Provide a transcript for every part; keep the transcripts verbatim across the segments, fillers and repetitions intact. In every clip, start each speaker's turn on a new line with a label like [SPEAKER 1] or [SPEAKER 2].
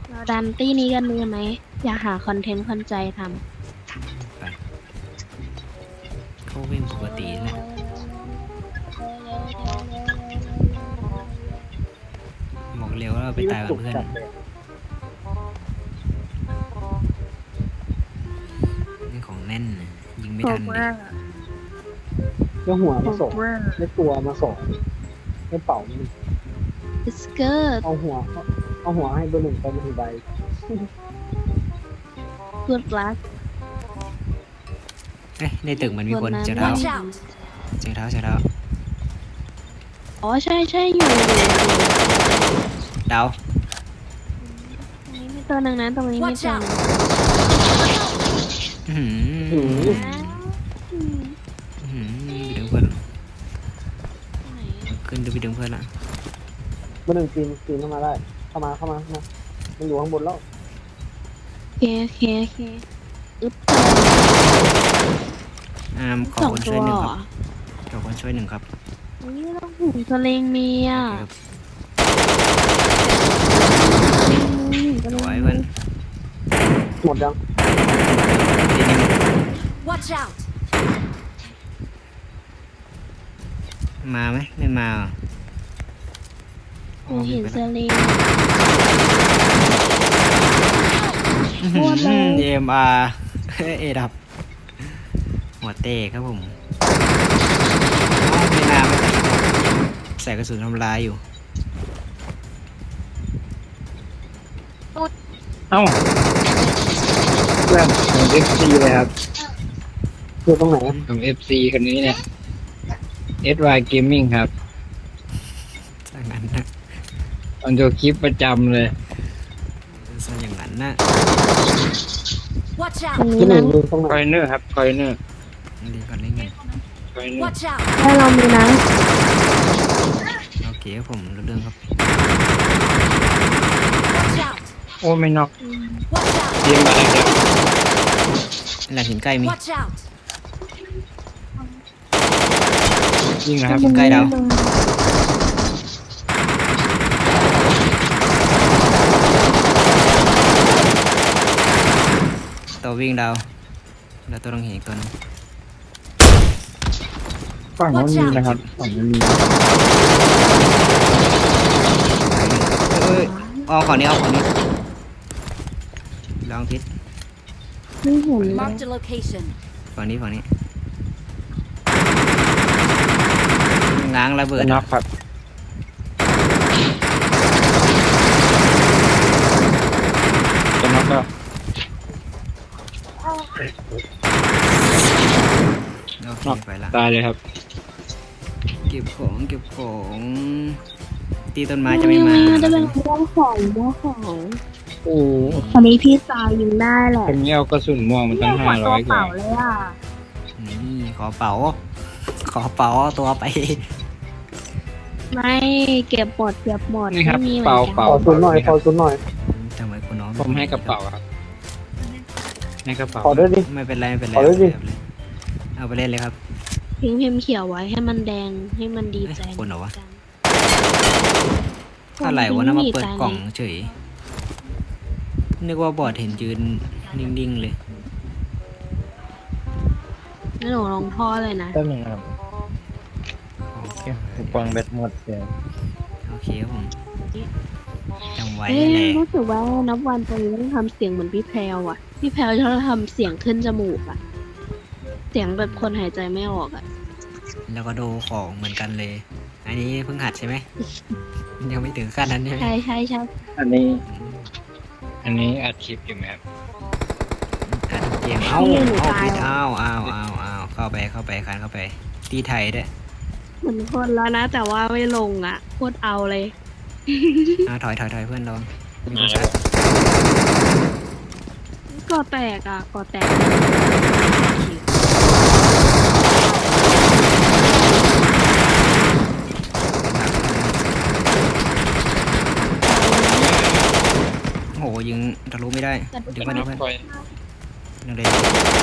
[SPEAKER 1] เราดันตี้นี้กันเลยไหมอยากหาคอนเทนต์คนใจท
[SPEAKER 2] ไปเขาวิ่งปกติแหละบอกเร็วว่าเราไปตายกับเพื่อนนี่ของแน่นนะยิงไม่ทันดิ
[SPEAKER 3] แล้วหัวมาส่งไม่ตัวมาส่งไม่เป่านี่
[SPEAKER 1] ำบิสเกิร์ต
[SPEAKER 3] เอาหัวเอาหัวให้เบอร์หนึ่งไปหนึ่งใบ
[SPEAKER 1] กูดลัก
[SPEAKER 2] เอ้ยในตึกมันมีคนเจอเท้า
[SPEAKER 4] Watch out!
[SPEAKER 2] เจอเท้าเจอเท้า
[SPEAKER 1] อ๋อใช่ใช่อยู่อยู่อยู่
[SPEAKER 2] ดาว
[SPEAKER 1] ตรงนี้มีตัวหนึ่งนะตรงนี้มี
[SPEAKER 4] Watch
[SPEAKER 1] ตัวห
[SPEAKER 4] out!
[SPEAKER 1] นึ่ง
[SPEAKER 2] อื้อหือ
[SPEAKER 3] อืม
[SPEAKER 1] อืม
[SPEAKER 2] อื้อหือไปดึงเพื่อน
[SPEAKER 1] ไหน
[SPEAKER 2] ขึ้นดูไปดึงเพื่อนละ
[SPEAKER 3] เบอร์หนึ่งปีนปีนเข้ามาได้ เข้ามาเข้ามาเข้ามามันอยู่ข้างบนแล้ว
[SPEAKER 1] โอเคโอเคโอเคอึ๊บ
[SPEAKER 2] อามขอ
[SPEAKER 1] สอง
[SPEAKER 2] คน
[SPEAKER 1] ตั
[SPEAKER 2] ช่ว
[SPEAKER 1] วย
[SPEAKER 2] หนึ่
[SPEAKER 1] เห
[SPEAKER 2] ง
[SPEAKER 1] ร
[SPEAKER 2] ค
[SPEAKER 1] อ
[SPEAKER 2] รับขอคนช่วยหนึ่งครับ
[SPEAKER 1] นี่ต้องหูสลิงมีอ่ะ
[SPEAKER 2] ครับ
[SPEAKER 1] อืม
[SPEAKER 2] สวยเพื่อน
[SPEAKER 3] หมดยัง
[SPEAKER 2] ทีนึง
[SPEAKER 4] Watch out!
[SPEAKER 2] มาไหมไม่มาเหรอ
[SPEAKER 1] หนูเห็นสลิง
[SPEAKER 2] อื้อ
[SPEAKER 1] โคตรเลย
[SPEAKER 2] หือเอ็มอาร์เอดับหัวเตะครับผมไม่น่าไม่ใส่กระสุนทำลายอยู่
[SPEAKER 5] เอ้าเพื่อนของ เอฟ ซี เลยครับ
[SPEAKER 3] อยู่ตรงไหนอะ
[SPEAKER 5] ของ เอฟ ซี คนนี้เนี่ย เอส วาย Gaming ครับ
[SPEAKER 2] จากนั้นนะ
[SPEAKER 5] ตอนดูคลิปประจำเลย
[SPEAKER 2] ส่วนอย่างนั้นนะ
[SPEAKER 4] Watch
[SPEAKER 1] ตรง
[SPEAKER 4] out!
[SPEAKER 1] นี้
[SPEAKER 3] ที่หนึ่
[SPEAKER 1] นะ
[SPEAKER 3] งอยู่ตรงไหน
[SPEAKER 5] คอยเนอร์ครับคอยเนอร์
[SPEAKER 2] ดีก่อนเล่นกัน
[SPEAKER 5] คอยเนอร์
[SPEAKER 4] Watch out!
[SPEAKER 1] ให้เรามีนะ
[SPEAKER 2] โอเคครับผมรู้เรื่องครับ
[SPEAKER 4] Watch out!
[SPEAKER 5] โอ้ไม่นอก
[SPEAKER 4] Watch out!
[SPEAKER 5] เตรียมมาเลยครับ
[SPEAKER 2] หลังหินใกล้มี
[SPEAKER 4] Watch out!
[SPEAKER 5] ยิงนะครับ
[SPEAKER 2] ใกล้ดาว ตัววิ่งดาวแล้วตัวต้องเห็นอีกตัวหนึง
[SPEAKER 5] ฝั่งนู้นมีนะครับฝั่งนู้นมี
[SPEAKER 2] เอ้ยเอาของนี้เอาของนี้ลองพิษ
[SPEAKER 1] ไม่เห็นเลย
[SPEAKER 4] Marked a location.
[SPEAKER 2] ฝั่งนี้ฝั่งนี้ง้างระเบิด
[SPEAKER 5] น็อกครับจะน็อกแล้ว
[SPEAKER 2] โอเคไปละ
[SPEAKER 5] ตายเลยครับ
[SPEAKER 2] เก็บของเก็บของตีต้นไม้จะไม่มา
[SPEAKER 1] จะเป็นม่วงของม่วงของ
[SPEAKER 5] โอ้
[SPEAKER 1] ตอนนี้พี่ตายยิงได้แหละ
[SPEAKER 5] คนนี้เอากระสุนม่วงมันตั้งห้าร้อยกว่า
[SPEAKER 1] เลยอ่ะ
[SPEAKER 2] นี่ขอเป๋า ขอเป๋าเอาตัวไป
[SPEAKER 1] ไม่เก็บหมดเก็บหมด
[SPEAKER 5] นี่ครับ
[SPEAKER 1] ไม่มีหมือน
[SPEAKER 5] เป่า
[SPEAKER 1] กัน
[SPEAKER 5] เป่า
[SPEAKER 3] ขอซุนหน่อยขอซุนหน่อย
[SPEAKER 2] ทำไมคุณน้อง
[SPEAKER 5] ผมให้กระเป๋าครับให้กระเป๋า
[SPEAKER 3] ขอด้วยดิ
[SPEAKER 2] ไม่เป็นไรไม่เป็นไร
[SPEAKER 3] ขอด้วยดิ
[SPEAKER 2] เอาไปเล่นเลยครับ
[SPEAKER 1] ทิ้งพิมพ์เขียวไว้ให้มันแดงให้มันดีใจ
[SPEAKER 2] เอ้ยคนเหรอวะ
[SPEAKER 1] กัน
[SPEAKER 2] อะไรวะน่ามาเปิด
[SPEAKER 1] ต
[SPEAKER 2] กล่องเฉย นึกว่าบอดเห็นยืนนิ่งๆเลย
[SPEAKER 1] นี่หนูลงท่อเลยนะ
[SPEAKER 5] แป๊บนึงครับคูปองแบตหมดเลย
[SPEAKER 2] โอเคครับผมจำไว้
[SPEAKER 1] เอ้ย
[SPEAKER 2] แหละ
[SPEAKER 1] รู้สึกว่านับวันตอนนี้ต้องทำเสียงเหมือนพี่แพรวอ่ะ พี่แพรวชอบทำเสียงขึ้นจมูกอ่ะ เสียงแบบคนหายใจไม่ออกอ่ะ
[SPEAKER 2] แล้วก็ดูของเหมือนกันเลย อันนี้เพิ่งหัดใช่ไหม ยังไม่ถึงขั้นนั้นใช่ไหม
[SPEAKER 1] ใช่ใช่ใช่
[SPEAKER 5] อันนี้ อันนี้อัดคลิปอยู่ไหมครับ
[SPEAKER 2] อัดเกมเอ้าเอาผิดอ้าวอ้าวอ้าวอ้าวเข้าไปเข้าไปคันเข้าไป ตีไทยด้วย
[SPEAKER 1] เหมือนคนแล้วนะ แต่ว่าไม่ลงอ่ะโคตรเอาเลย
[SPEAKER 2] อ่าถอยถอยถอยเพื่อนลองมีคนชัด
[SPEAKER 1] ก่อแตกอ่ะก่อแตก
[SPEAKER 2] โอ้โหยิงทะลุไม่ได้เดี๋ยวเพื่อนเดี๋ยวเพื่อน
[SPEAKER 5] ปล่อย
[SPEAKER 2] ยังเลย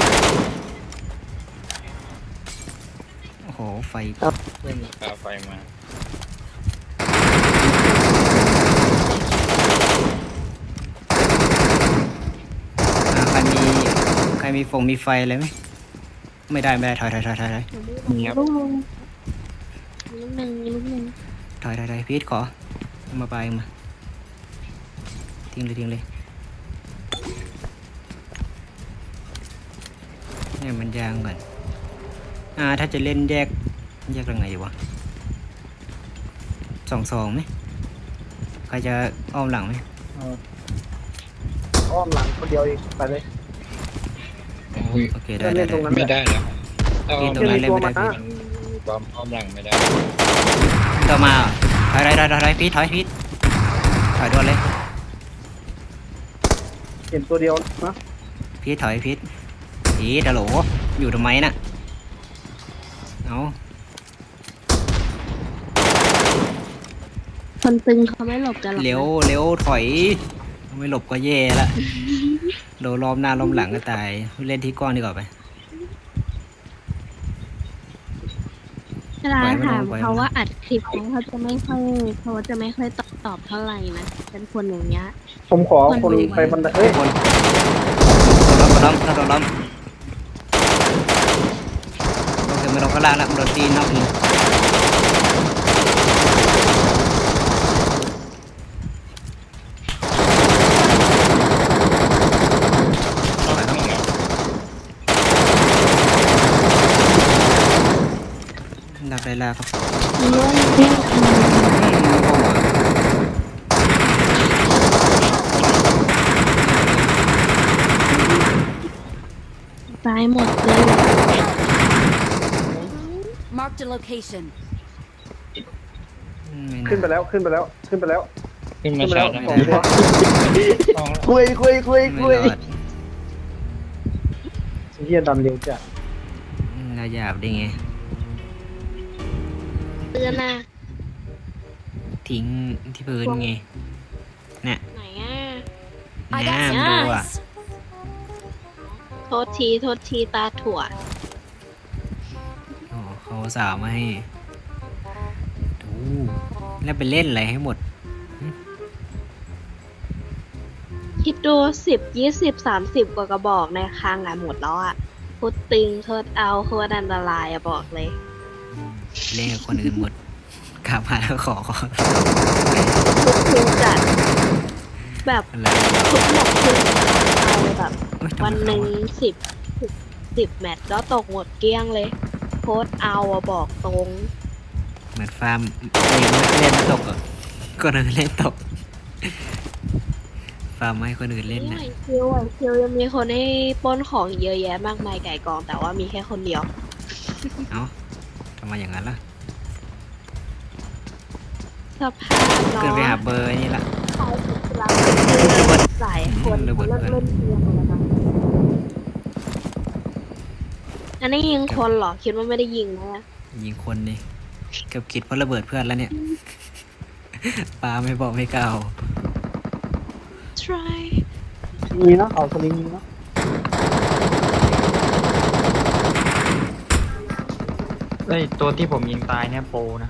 [SPEAKER 2] โอ้โหไฟ
[SPEAKER 5] เพื่อนปาไฟมา
[SPEAKER 2] โรมีฟงมีไฟอะไรไหมไม่ได้ไม่ได้ถอยถอยถอยถอยถอย
[SPEAKER 5] มีครับ
[SPEAKER 1] ลูกนึงลูกนึงลูกนึง
[SPEAKER 2] ถอยถอยถอยพีทขอเอามาไปเอามาทิ้งเลยทิ้งเลยเนี่ยมันยางก่อนอ่าถ้าจะเล่นแยกแยกยังไงดีวะสองสองไหมใครจะอ้อมหลังไหม
[SPEAKER 3] เอออ้อมหลังคนเดียวเองไปเลย
[SPEAKER 5] อุ้ย
[SPEAKER 2] โอเคได้
[SPEAKER 3] เล่
[SPEAKER 2] ได้
[SPEAKER 3] นตรงนั้น
[SPEAKER 5] ไม่ได้แล้วเอา
[SPEAKER 2] พีทตรงนั้นเล่นไม่ได้พีท
[SPEAKER 5] มันความอ้อมหลังไม่ได้
[SPEAKER 2] ต่อมาถอยถอยถอยถอยถอยพีทถอยพีทถอยโดนเลย
[SPEAKER 3] เห็นตัวเดียวนะ
[SPEAKER 2] พีทถอยพีทพีทฮัลโหลอยู่ทำไมน่ะเอา
[SPEAKER 1] คนตึงเขาไม่หลบกันหรอกนะ
[SPEAKER 2] เร็วเร็วถอยไม่หลบก็แย่ละโดนล้อมหน้าล้อมหลังก็ตายเล่นที่กว้างดีกว่าไป
[SPEAKER 1] เวลา
[SPEAKER 2] ปล่อยมัน
[SPEAKER 1] ถาม
[SPEAKER 2] ปล่อยมัน
[SPEAKER 1] เขาว่าอัดคลิปนะเขาจะไม่ค่อยเขาจะไม่ค่อยตอบตอบเท่าไหร่นะเป็นคนอย่างเงี้ย
[SPEAKER 3] ผมขอคนไปบันไดเอ้ย
[SPEAKER 2] คนโดนล้อมโดนล้อมโอเคไม่ลงข้างล่างแล้วโดนตีนอกนี่
[SPEAKER 5] เอาหนึ่งแล้ว
[SPEAKER 2] ดับได้แล้วครับ
[SPEAKER 1] เรื่องที่ ตายหมดเลย
[SPEAKER 4] Marked a location.
[SPEAKER 3] ขึ้นไปแล้วขึ้นไปแล้วขึ้นไปแล้ว
[SPEAKER 5] ขึ้น
[SPEAKER 3] ขึ้
[SPEAKER 5] มาน
[SPEAKER 3] ไป
[SPEAKER 5] ชา
[SPEAKER 3] แล้ว
[SPEAKER 5] ร์จ
[SPEAKER 3] ส
[SPEAKER 5] นะ
[SPEAKER 3] องตัว
[SPEAKER 5] สองแล้ว
[SPEAKER 3] คุยคุยคุย
[SPEAKER 2] ไม่
[SPEAKER 3] คุย
[SPEAKER 2] รอด
[SPEAKER 3] เฮียดันเร็วจ้ะ
[SPEAKER 2] น่าหยาบได้ไง
[SPEAKER 1] เตือนนะ
[SPEAKER 2] ทิ้งที่พื้นไงเนี่ย
[SPEAKER 1] ไหนอ่ะ
[SPEAKER 4] I
[SPEAKER 2] น้
[SPEAKER 4] got
[SPEAKER 2] ำดูอ่ะ
[SPEAKER 4] supplies.
[SPEAKER 1] โทษทีโทษทีตาถั่ว
[SPEAKER 2] โอ้เขาสาวมาให้ดูแล้วไปเล่นอะไรให้หมด
[SPEAKER 1] คิดดูสิบยี่สิบสามสิบกว่ากระบอกในคลังอ่ะหมดแล้วอ่ะพุดตึงโคตรเอาโคตรอันตรายอ่ะบอกเลย
[SPEAKER 2] เล่นกับคนอื่นหมดกลับมาแล้วขอขอ
[SPEAKER 1] ทุกทุกจัดแบบ
[SPEAKER 2] อะไร
[SPEAKER 1] ทุกหมดคือเอาแบบ
[SPEAKER 2] เอ้ยทำไม
[SPEAKER 1] วันหนึ่ง
[SPEAKER 2] เขาอะ
[SPEAKER 1] สิบสิบแมตช์แล้วตกหมดเกลี้ยงเลยโคตรเอาอ่ะบอกตรง
[SPEAKER 2] เหมือนฟาร์มเองไม่เล่นไม่ตกอ่ะคนอื่นเล่นตก ฟาร์มให้คนอื่นเล่น
[SPEAKER 1] นี่
[SPEAKER 2] นะ
[SPEAKER 1] ไหวคิวไหวคิวยังมีคนให้ปล้นของเยอะแยะมากมายไก่กองแต่ว่ามีแค่คนเดียว
[SPEAKER 2] เอ้าทำไมอย่างนั้นล่ะ
[SPEAKER 1] สภาพเนาะ
[SPEAKER 2] เกินไปหาเบอร์นี่ละ
[SPEAKER 1] เขาเป็นเราเป็นหลายคน
[SPEAKER 2] ระเบิด
[SPEAKER 1] เลิกเล่นเกมหมดแล้วนะอันนี้ยิงคนเหรอคิดว่าไม่ได้ยิงนะ
[SPEAKER 2] ยิงคนนี่เกือบคิดเพราะระเบิดเพื่อนแล้วเนี่ย ปาไม่บอกไม่กล่าว
[SPEAKER 1] try
[SPEAKER 3] มีนะเขาสลิงมีนะ
[SPEAKER 6] ไอ้ยตัวที่ผมยิงตายเนี่ยโปรนะ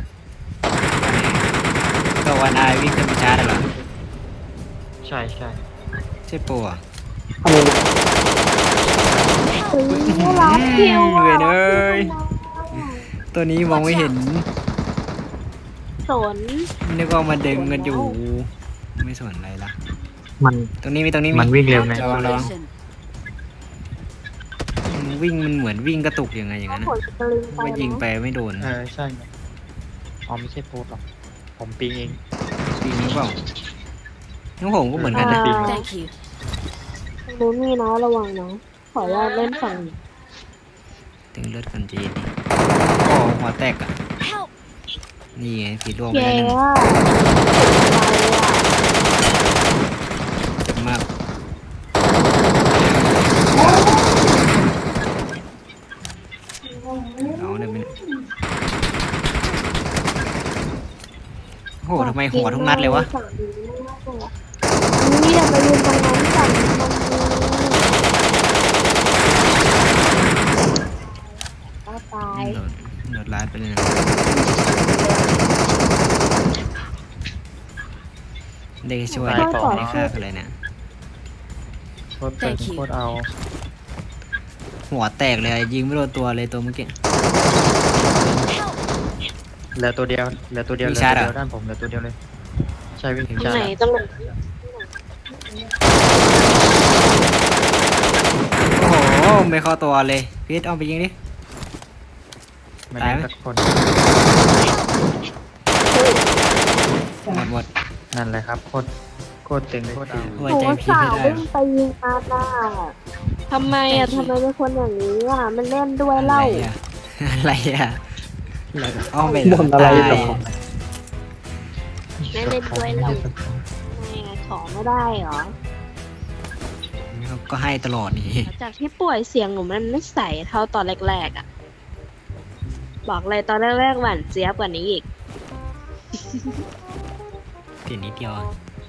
[SPEAKER 2] ก็วันอายวิ่งขึ้นไปชาร์จได้เหรอ
[SPEAKER 6] ใช่ใช่
[SPEAKER 2] ใช่โปรอ่ะ
[SPEAKER 3] อะไรเนี่ย
[SPEAKER 1] เฮ้ยรับคิว
[SPEAKER 2] เว
[SPEAKER 1] อ่ะ
[SPEAKER 2] นเอ้ยตัวนี้มองไม่เห็น
[SPEAKER 1] สน
[SPEAKER 2] นึกว่ามาดึงกันอยู่ ไม่สนอะไรละ
[SPEAKER 6] มัน
[SPEAKER 2] ตรงนี้มีตรงนี้มี
[SPEAKER 6] มันวิ่งเร็วนะ
[SPEAKER 4] Marked a
[SPEAKER 2] ระวังระวัง
[SPEAKER 4] location.
[SPEAKER 2] มันวิ่งมันเหมือนวิ่งกระตุกยังไงอย่างนั้น
[SPEAKER 1] ผ
[SPEAKER 2] นะ
[SPEAKER 1] ลสลิงไป
[SPEAKER 2] ว่ายิงไปไม่โดน
[SPEAKER 6] เออใช่ไงอ๋อไม่ใช่โปรหรอกผมปิงเอง
[SPEAKER 2] ปีนี้เปล่าน้องผมก็เหมือนกันนะ
[SPEAKER 1] อ่า
[SPEAKER 4] Thank you.
[SPEAKER 1] ตรงนู้นมีนะระวังนะขออนุญาตเล่นฝั่งนี้
[SPEAKER 2] ถึงเลือดคนจีนดิโอ้หัวแตกอ่ะ
[SPEAKER 4] Help!
[SPEAKER 2] นี่ไงผีร่วงไป
[SPEAKER 1] เย้
[SPEAKER 2] แล้วหนึ่ง
[SPEAKER 1] อะ
[SPEAKER 2] เจ็บมากเอาเลยไหมเนี่ยโอ้โหทำไมหัวทุกนัดเลยวะ
[SPEAKER 1] ฝั่งนี้นี่อย่าไปยืนตรงนั้นฝั่งนี้มันมีก็ตาย
[SPEAKER 2] โดนโดนลาดไปเลยนะได้ช่วยได้ฆ่ากันเลยเนี่ย
[SPEAKER 6] โคตรตึง
[SPEAKER 4] Thank you
[SPEAKER 6] โคตรเอา
[SPEAKER 2] หัวแตกเลยยิงไม่โดนตัวเลยตัวเมื่อกี้
[SPEAKER 4] Help!
[SPEAKER 6] เหลือตัวเดียวเหลือตัวเดียวเห
[SPEAKER 2] มี
[SPEAKER 6] ลือ
[SPEAKER 2] ชา
[SPEAKER 6] ตัว
[SPEAKER 2] ร์จเหรอ
[SPEAKER 6] เดียวด้านผมเหลือตัวเดียวเลย ใช่วิ่ง
[SPEAKER 1] ตรง
[SPEAKER 6] ชาร์
[SPEAKER 1] ไหน
[SPEAKER 6] จ
[SPEAKER 1] ตรงไหน
[SPEAKER 2] โอ้โหไม่เข้าตัวเลยพีทเอาไปยิงดิ
[SPEAKER 6] ไม่
[SPEAKER 2] ตาย
[SPEAKER 6] ได้
[SPEAKER 2] ไหม
[SPEAKER 6] สักคน
[SPEAKER 2] หมดหมด
[SPEAKER 6] นั่นแหละครับโคตรโคตรเต็งโคตรดี
[SPEAKER 2] ไว้
[SPEAKER 1] โอ้
[SPEAKER 2] ใจพีท
[SPEAKER 1] สา
[SPEAKER 2] ไม่
[SPEAKER 1] ว
[SPEAKER 2] ได้
[SPEAKER 1] วิ่งไปยิงอาหน้าทำไมอ่ะทำไมเป็นคนอย่างนี้อ่ะ มันเล่นด้วย
[SPEAKER 2] อะไร
[SPEAKER 1] เล่า
[SPEAKER 2] อ่ะอะไรอ่ะอ้อมไป
[SPEAKER 3] บ่นอะไร
[SPEAKER 2] ตาย
[SPEAKER 3] หรอ
[SPEAKER 1] ไม่เล่นด้วย
[SPEAKER 6] ไม่
[SPEAKER 1] เล่า
[SPEAKER 6] ได้สักคน
[SPEAKER 1] ไม่ไงของไม่ได้เหรอ
[SPEAKER 2] ก็ให้ตลอดนี่
[SPEAKER 1] หลังจากที่ป่วยเสียงหนูมันไม่ใสเท่าตอนแรกๆอ่ะ บอกเลยตอนแรกๆหวานเจี๊ยบกว่านี้อีก
[SPEAKER 2] เปลี่ยนนิดเดียวอะ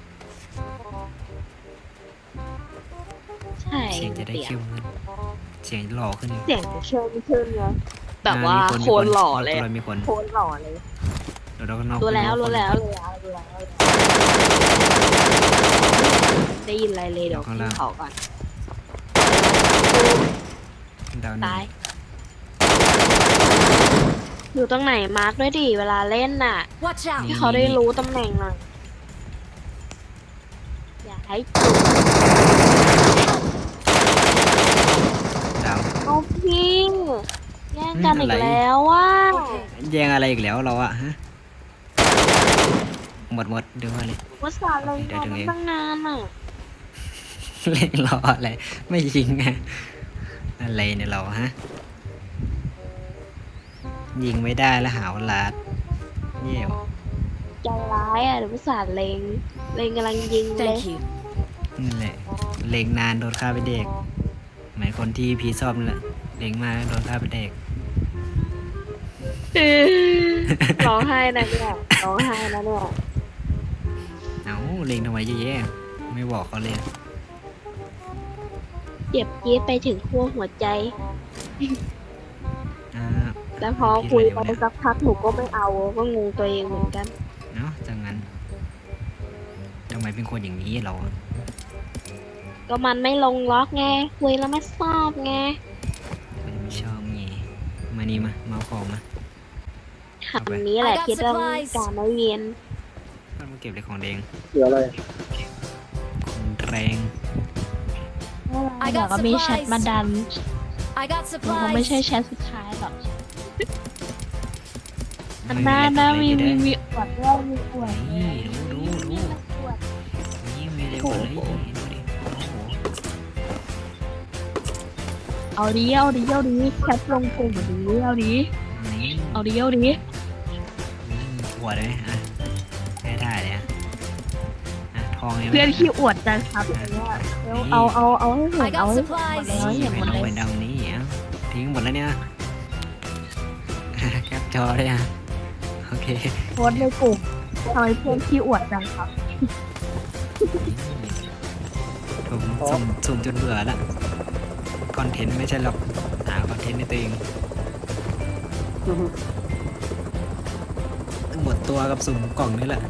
[SPEAKER 1] ใช่
[SPEAKER 2] เสียงจะได้
[SPEAKER 1] เสียง
[SPEAKER 2] เข้มขึ้นเสียงหล่อขึ้น
[SPEAKER 1] เสียงเชิญขึ้นไงแบบว่า
[SPEAKER 2] อ่มี
[SPEAKER 1] โคนหล่อเลย
[SPEAKER 2] มีคน
[SPEAKER 1] โคนหล่อเลย
[SPEAKER 2] เดี๋ยวเราก็นอก
[SPEAKER 1] รู้แล้ว
[SPEAKER 2] คน
[SPEAKER 1] รู้แล้วรู้แล้วรู้แล้วได้ยินอะไรเลยเดี๋ยวขึ้นเขาก่อน
[SPEAKER 2] ดาวหนึ่ง
[SPEAKER 1] ตาย อยู่ตรงไหนมาร์กด้วยดิเวลาเล่นน่ะ
[SPEAKER 4] Watch out!
[SPEAKER 1] ให้เขาได้รู้ตำแหน่งหน่อย อย่าให้จุด
[SPEAKER 2] ดาว
[SPEAKER 1] เอาพี่แย่งกัน
[SPEAKER 2] อืม
[SPEAKER 1] อี
[SPEAKER 2] อะไร
[SPEAKER 1] กแล้วว่า
[SPEAKER 2] แย่งอะไรอีกแล้วเราอะฮะหมดหมดเดี๋ยวมาเลย
[SPEAKER 1] ว่าสารเลย
[SPEAKER 2] เดี๋ยว
[SPEAKER 1] มา
[SPEAKER 2] ถึงเอง
[SPEAKER 1] ตั้งนานอ่ะ
[SPEAKER 2] เล่นรออะไร ไม่ยิงไงอะไรเนี่ยเราฮะ ยิงไม่ได้แล้วหาวาลาดเยี่ยว
[SPEAKER 1] ใจร้ายอ่ะเดี๋ยวว่าสารเลงเลงกำลังยิงเลย
[SPEAKER 4] Thank you.
[SPEAKER 2] นั่นแหละเล็งนานโดนฆ่าไปเด็กเหมือนคนที่พีชอบนั่นแหละเล็งมากโดนฆ่าไปเด็ก
[SPEAKER 1] ร้องไห้นะเนี่ยร้องไห้นะเนี่ย
[SPEAKER 2] เอ้าเล็งทำไมเยอะแยะไม่บอกเขาเลย
[SPEAKER 1] เจ็บจี๊ดไปถึงขั้วหัวใจ
[SPEAKER 2] อ่า
[SPEAKER 1] แล้วพอคุยไปสักพักหนูก็ไม่เอาก็งงตัวเองเหมือนกัน
[SPEAKER 2] เนาะจังงั้นทำไมเป็นคนอย่างนี้เราอะ
[SPEAKER 1] ก็มันไม่ลงล็อกไงคุยแล้วไม่ชอบไง
[SPEAKER 2] ไม่ชอบไงมานี่มามาเอาของมา
[SPEAKER 1] คำนี้แหละ
[SPEAKER 4] I got
[SPEAKER 1] ที่ต้อง
[SPEAKER 4] supplies
[SPEAKER 1] การไม่เวียน
[SPEAKER 2] มันมาเก็บเลยของแดง
[SPEAKER 3] เหลืออะไร
[SPEAKER 2] ของแรง
[SPEAKER 4] I
[SPEAKER 1] เดี๋ยว
[SPEAKER 4] got
[SPEAKER 1] ก็มีแชท
[SPEAKER 4] supplies.
[SPEAKER 1] มาดัน
[SPEAKER 4] I got
[SPEAKER 1] คงไม่ใช่
[SPEAKER 4] supplies.
[SPEAKER 1] แชทสุดท้ายหรอก
[SPEAKER 2] ไม่
[SPEAKER 1] หน้าหน้ามี
[SPEAKER 2] อะไร
[SPEAKER 1] มี
[SPEAKER 2] เลย
[SPEAKER 1] มีอวดด้วยมีอวด
[SPEAKER 2] นี่ดูดูดู
[SPEAKER 1] อวด
[SPEAKER 2] นี่มีเลยหมดเลยนี่ดูดิโอ้โห
[SPEAKER 1] เอาดีเอาดีเอาดีแชทลงกลุ่มดีเอาดี
[SPEAKER 2] นี่
[SPEAKER 1] เอาดีเอาดี
[SPEAKER 2] อืมหัวเลยอ่ะให้ได้เลยอ่ะอ่ะทองยัง
[SPEAKER 1] เพื่อนขี้อวดจังครับอย่างเงี้ยเอาเอาเอาให้เห็
[SPEAKER 4] I
[SPEAKER 1] นเอา
[SPEAKER 4] got
[SPEAKER 1] ให้
[SPEAKER 4] supplies.
[SPEAKER 1] เอาให้เห็นหมด
[SPEAKER 2] เอา
[SPEAKER 1] เล
[SPEAKER 2] ไป
[SPEAKER 1] ย
[SPEAKER 2] ดำนี่อ่ะทิ้งหมดแล้วเนี่ย แคปจอเลยอ่ะโอเค
[SPEAKER 1] โพสต์ในกลุ่มทำไมเพื่อนขี้อวดจังครับ
[SPEAKER 2] ผมสุ่มสุ่มจนเบื่อละคอนเทนต์ไม่ใช่หรอกหาคอนเทนต์ในตัวเองหมดตัวกับสุ่มกล่องนี่แหละ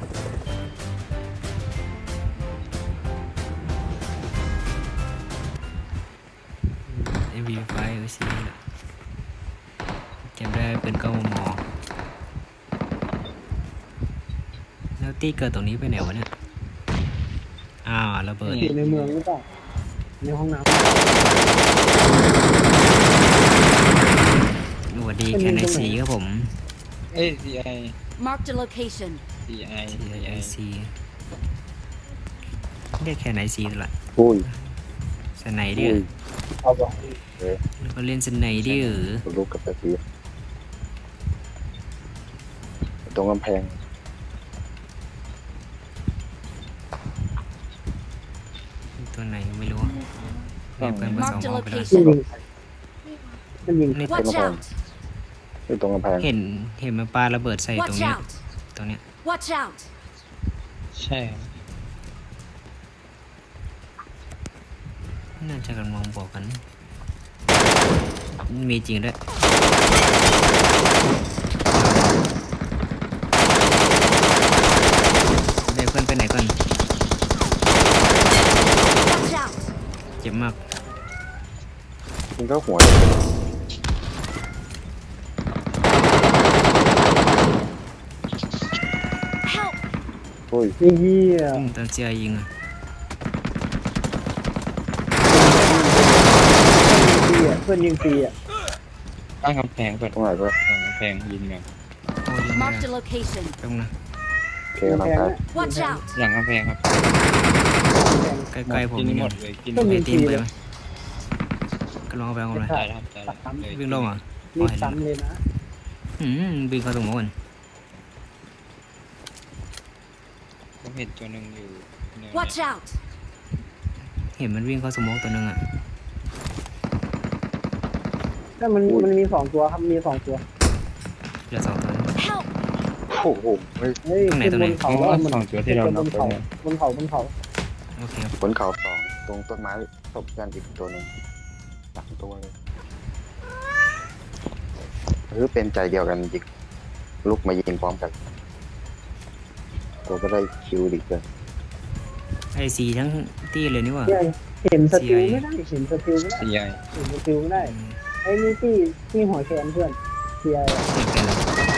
[SPEAKER 2] เอ็มวีไฟเออซีจำได้เป็นกล้องมอแล้วตี้เกิดตรงนี้ไปไหนวะเนี่ยอ้าวระเบิด
[SPEAKER 3] อยู่ในเมืองหรือเปล่าในห้องน้
[SPEAKER 2] สวัสดีแคนไอซีครับผม
[SPEAKER 5] เอ้ย ซี ไอ
[SPEAKER 4] Marked a location.
[SPEAKER 5] ซี ไอ
[SPEAKER 2] ซีไอซีเรียกแคนไอซีตลอด
[SPEAKER 7] อุ้ย
[SPEAKER 2] สไนเดอร์
[SPEAKER 3] เอาบอก
[SPEAKER 2] แล้วก็เล่นสไนเดอร์
[SPEAKER 7] ลูกกับตะปีตรงกำแพง
[SPEAKER 2] ตัวไหนก็ไม่รู้เรียกเพื่อนมาสอง
[SPEAKER 4] Marked a
[SPEAKER 2] รอบไปแล้ว
[SPEAKER 4] location.
[SPEAKER 3] มันยิงมันยิง
[SPEAKER 2] นี่
[SPEAKER 4] Watch out!
[SPEAKER 7] อยู่ตรงกำแพง
[SPEAKER 2] เห็นเห็นมันปาระเบิดใส่ตรง
[SPEAKER 4] Watch
[SPEAKER 2] เนี้ย
[SPEAKER 4] out!
[SPEAKER 2] ตรงเนี้ย
[SPEAKER 4] Watch out!
[SPEAKER 5] ใช่ครับ
[SPEAKER 2] น่าจะกำลังบอกกัน มีจริงด้วยเดี๋ยวเพื่อนไปไหนก่อน
[SPEAKER 4] Watch out!
[SPEAKER 2] เจ็บมาก
[SPEAKER 7] มันก็หัว
[SPEAKER 4] Help!
[SPEAKER 7] โอ้ย
[SPEAKER 3] ไอ้เหี้ย
[SPEAKER 2] ตอนเจียยิงอ่ะ
[SPEAKER 3] เพื่อนยิงฟรีอ่ะ
[SPEAKER 5] ตั้งกำแพงเปิด
[SPEAKER 7] ตรงไหนก็
[SPEAKER 5] ตั้งกำแพงยิงกัน
[SPEAKER 2] โอ้ยิงไม่
[SPEAKER 4] Marked
[SPEAKER 2] ได้
[SPEAKER 4] a location.
[SPEAKER 2] แป๊บนึงนะ
[SPEAKER 7] โอเคกำลังไป
[SPEAKER 4] Watch out!
[SPEAKER 5] หลังกำแพงครับ
[SPEAKER 2] ใกล้ๆผม
[SPEAKER 5] กิน
[SPEAKER 2] นี่
[SPEAKER 5] หม
[SPEAKER 2] นะ
[SPEAKER 5] ดเลยกิน
[SPEAKER 3] ก็
[SPEAKER 5] หม
[SPEAKER 3] มี
[SPEAKER 5] ด
[SPEAKER 2] ไอตีมไปไหมก็ลองเอาไปเอาเลย
[SPEAKER 5] ได้แล้วครับได้แล้ว
[SPEAKER 2] วิ่งลงเหรอ่ะ
[SPEAKER 3] รีบซ้ำเลยนะ
[SPEAKER 2] อืมวิ่งเข้าตรงโน้น
[SPEAKER 5] ผมเห็นตัวหนึ่งอยู่เนิน
[SPEAKER 4] Watch out!
[SPEAKER 2] เห็นมันวิ่งเข้าสโมกตัวนึงอ่ะ
[SPEAKER 3] ถ้ามันมันมีสองตัวครับมีสองตัว
[SPEAKER 2] เหลือสองตัว
[SPEAKER 4] Help!
[SPEAKER 7] โอ้โหเฮ้ย
[SPEAKER 3] เฮ้ย
[SPEAKER 2] ตรงไหน
[SPEAKER 3] ขึ้น
[SPEAKER 2] ตรงไหน
[SPEAKER 3] บนเขา
[SPEAKER 5] เพราะ
[SPEAKER 3] แล้ว
[SPEAKER 5] ว่า
[SPEAKER 3] มัน
[SPEAKER 5] สองตัวที่เรา
[SPEAKER 3] ขึ้นบ
[SPEAKER 5] นับ
[SPEAKER 3] น
[SPEAKER 5] ไป
[SPEAKER 3] เขา
[SPEAKER 5] เนี่ย
[SPEAKER 3] บนเขาบนเขา
[SPEAKER 2] โอเคครับ
[SPEAKER 7] บนเขาสองตรงต้นไม้ตบกันอีกตัวหนึ่งสามตัวเลยหรือเป็นใจเดียวกันยิงลุกมายิงพร้อมกันตัวก็ได้คิวดีเกิน
[SPEAKER 2] ไอซีทั้งที่เลยนี่หว่า
[SPEAKER 3] เนี่ยเห็นสติลไม่ได้เห็นสติลไม่ได้
[SPEAKER 5] สี่ใหญ่
[SPEAKER 3] เห็นสติลไม่ได้
[SPEAKER 2] อืม
[SPEAKER 3] ไอ้นี่ที่ที่หัวแขนเพื่อนเทียร์
[SPEAKER 2] เห็นเป็นแล้ว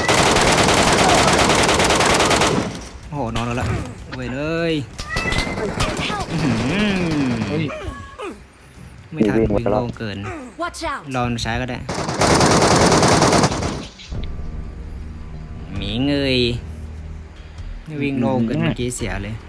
[SPEAKER 2] โอ้โหนอนแล้วละเว้ยเลย
[SPEAKER 4] Help!
[SPEAKER 2] อื้อหือ
[SPEAKER 5] เฮ้ย
[SPEAKER 2] ไม่ทันวิ่งโล่งเกิน
[SPEAKER 4] Watch out!
[SPEAKER 2] รอใช้ก็ได้หมีเงยวิ่งโล่งเกินเมื่อกี้เสียเลย